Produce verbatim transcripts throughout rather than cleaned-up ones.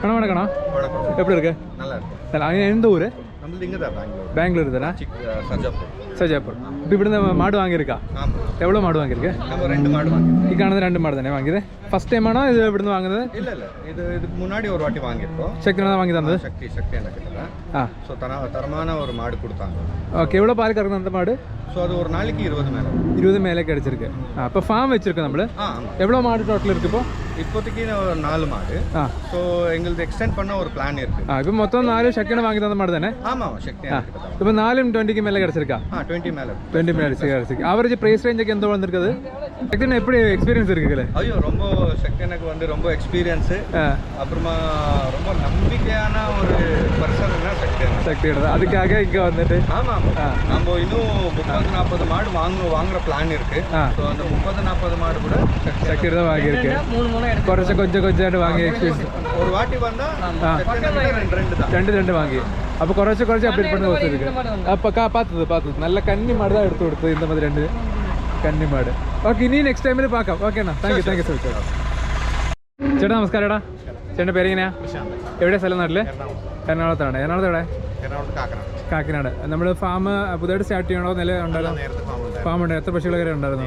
அண்ணா வணக்கண்ணா. எப்படி இருக்கு? நல்லா இருக்கு. நல்லா எந்த ஊர்? நம்மளது இங்கே தான் பெங்களூர். பெங்களூர் தானே? சஜாப்பூர். சஜாப்பூர். இப்போ இവിടുന്ന് மாடு வாங்கியிருக்கா? ஆமாம். எவ்வளோ மாடு வாங்கியிருக்கு? நம்ம ரெண்டு மாடு வாங்கியிருக்கோம். ഈ കാണുന്നത് രണ്ട് മാട് തന്നെ വാങ്ങിയത്? ഫസ്റ്റ് ടൈം ആണോ ഇത് ഇവിടുന്ന് വാങ്ങുന്നത്? இல்லை இல்லை இது இதுக்கு முன்னாடி ஒரு வாட்டி வாங்கியிருக்கோம். ശക്തിനാണ് വാങ്ങി തന്നത്? சக்தி சக்தி எனக்கு இல்லை. ஆ ஸோ தர தரமான ஒரு மாடு கொடுத்தாங்க. ஓகே. எவ்வளோ பால் கறக்குது அந்த மாடு? ஸோ அது ஒரு நாளைக்கு இருபது மேலே இருபது மேலே கிடச்சிருக்கு. ஆ இப்போ ஃபார்ம் வச்சுருக்கோம் நம்ம. ஆ ஆமாம். எவ்வளோ மாடு டோட்டல் இருக்குது இப்போ? இப்போதைக்கு ஒரு நாலு மாடு. ஆ ஸோ எங்களுக்கு எக்ஸ்டெண்ட் பண்ண ஒரு பிளான் இருக்குது. ആ ഇപ്പം മൊത്തം നാല് ശക്തിനെ വാങ്ങി തന്ന മാട് തന്നെ? ஆமாம் சக்தி ആ ഇപ്പം നാലും ട്വൻറ്റിക്ക് മേലെ കിടച്ചിരിക്കാ? ஆ டுவெண்ட்டி மேலே டுவெண்ட்டி மேலே கிடச்சிருக்கு. ஆவரேஜ் ப்ரைஸ் ரேஞ்சுக்கு எந்த வந்திருக்குது? சக்தினா எப்படி எக்ஸ்பீரியன்ஸ் இருக்குல்ல? ஐயோ ரொம்ப சக்தி எனக்கு வந்து ரொம்ப எக்ஸ்பீரியன்ஸு. அப்புறமா ரொம்ப நம்பிக்கையான ஒரு பர்சன்னா சக்தி சக்தியோட அதுக்காக இங்கே வந்துட்டு. ஆமாம் ஆமாம். நம்ம இன்னும் முப்பது நாற்பது மாடு வாங்க வாங்குற பிளான் இருக்கு. ஸோ அந்த முப்பது நாற்பது மாடு கூட சக்தியோட தான் வாங்கியிருக்கு. കുറച്ച് കൊഞ്ചം കൊഞ്ചായിട്ട് വാങ്ങിയ എക്സ്പീരിയൻസ്. ஒரு வாட்டி வந்தா ரெண்டு ரெண்டு தான் രണ്ട് രണ്ട് വാങ്ങി. അപ്പോൾ കുറച്ച് കുറച്ച് അപ്ഡേറ്റ് பண்ண ദിവസം இருக்கு. അപ്പോൾ കാ பார்த்தது பார்த்தது நல்ல கன்னி மாடு தான் எடுத்து கொடுத்தது. இந்த மாதிரி രണ്ട് കന്നി മാട്. ഓക്കെ ഇനി നെക്സ്റ്റ് ടൈമിൽ പാക്കാം. ഓക്കെ അണ്ണാ thank you thank you so much. ചേട്ടാ നമസ്കാരം. ഏടാ ചേട്ടൻ്റെ പേരെങ്ങനെയാ? എവിടെയാ സ്ഥലം? നാട്ടില് എറണാകുളത്താണ്. എറണാകുളത്ത് എവിടെ? കാക്കനാട്. നമ്മൾ ഫാം പുതിയതായിട്ട് സ്റ്റാർട്ട് ചെയ്യണോ? നില ഉണ്ടായിരുന്നു? ഫാം ഉണ്ട്. എത്ര പശുക്കൾ വരെ ഉണ്ടായിരുന്നു?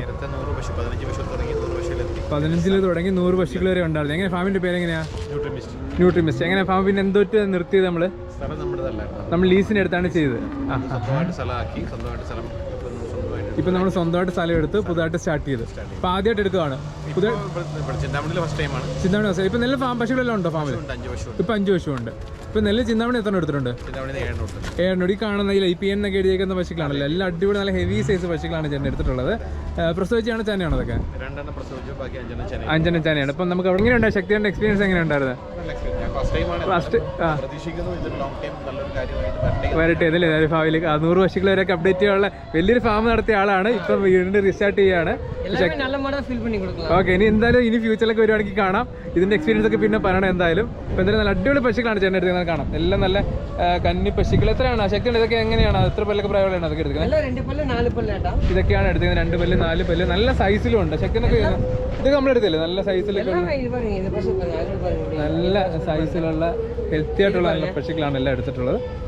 പതിനഞ്ചിൽ തുടങ്ങി നൂറ് പശുക്കൾ വരെ ഉണ്ടായിരുന്നു. എങ്ങനെ ഫാമിൻ്റെ പേരെങ്ങനെയാ? ന്യൂട്രിമിസ്റ്റ്. എങ്ങനെ ഫാം പിന്നെ എന്തോട്ട് നിർത്തിയത്? നമ്മൾ നമ്മൾ ലീസിന് എടുത്താണ് ചെയ്തത്. ആ ഇപ്പം നമ്മൾ സ്വന്തമായിട്ട് സ്ഥലം എടുത്ത് പുതുതായിട്ട് സ്റ്റാർട്ട് ചെയ്ത് ഇപ്പം ആദ്യമായിട്ട് എടുക്കുകയാണ്. പുതിയ ചിന്താമണി. ഇപ്പം നെല്ല് ഫാം പശുക്കളെല്ലാം ഉണ്ടോ ഫാമിൽ? ഇപ്പം അഞ്ച് പശുവുണ്ട്. ഇപ്പം നെല്ല് ചിന്താമണി എത്ര എടുത്തിട്ടുണ്ട്? ഏഴെണ്ണോട്. ഈ കാണുന്ന ഈ പി എൻ ഒക്കെ എഴുതിയേക്കുന്ന പശുക്കളാണല്ലോ. എല്ലാം അടിപൊളി നല്ല ഹെവി സൈസ് പശുക്കളാണ് ചേട്ടൻ എടുത്തിട്ടുള്ളത്. പ്രസവിച്ചാണ് ചാനയാണോ അതൊക്കെ? അഞ്ചെണ്ണം ചാനയാണ്. ഇപ്പം നമുക്ക് എങ്ങനെയുണ്ടായി ശക്തിയുടെ എക്സ്പീരിയൻസ് എങ്ങനെ ഉണ്ടായിരുന്നു? ഫസ്റ്റ് ആ വരട്ടെ ഇതല്ലേ ഫാമിലി നൂറ് പശുക്കൾ വരെയൊക്കെ അപ്ഡേറ്റ് ചെയ്യാനുള്ള വലിയൊരു ഫാം നടത്തിയ ആളാണ്. ഇപ്പം വീണ്ടും റീസ്റ്റാർട്ട് ചെയ്യാണ്. ഓക്കെ ഇനി എന്തായാലും ഇനി ഫ്യൂച്ചറിലൊക്കെ വരുവാണെങ്കിൽ കാണാം. ഇതിന്റെ എക്സ്പീരിയൻസ് ഒക്കെ പിന്നെ പറയണം എന്തായാലും. ഇപ്പം എന്തായാലും നല്ല അടിപൊളി പശുക്കളാണ് ചേട്ടൻ എടുക്കുന്നത് കാണാം. എല്ലാം നല്ല കന്നി പശുക്കൾ. എത്രയാണ് ശക്തിയുണ്ട്? ഇതൊക്കെ എങ്ങനെയാണ്? എത്ര പല്ലൊക്കെ പ്രായമുള്ളതാണ് അതൊക്കെ എടുക്കുന്നത്? ഇതൊക്കെയാണ് എടുക്കുന്നത്. രണ്ട് പല്ല് നാല് പല്ല് നല്ല സൈസിലും ഉണ്ട്. ശക്തിനൊക്കെ ഇതൊക്കെ നമ്മൾ എടുത്തില്ലേ? നല്ല സൈസിലൊക്കെ നല്ല സൈസിലുള്ള ഹെൽത്തി ആയിട്ടുള്ള നല്ല പശുക്കളാണ് എല്ലാം എടുത്തിട്ടുള്ളത്.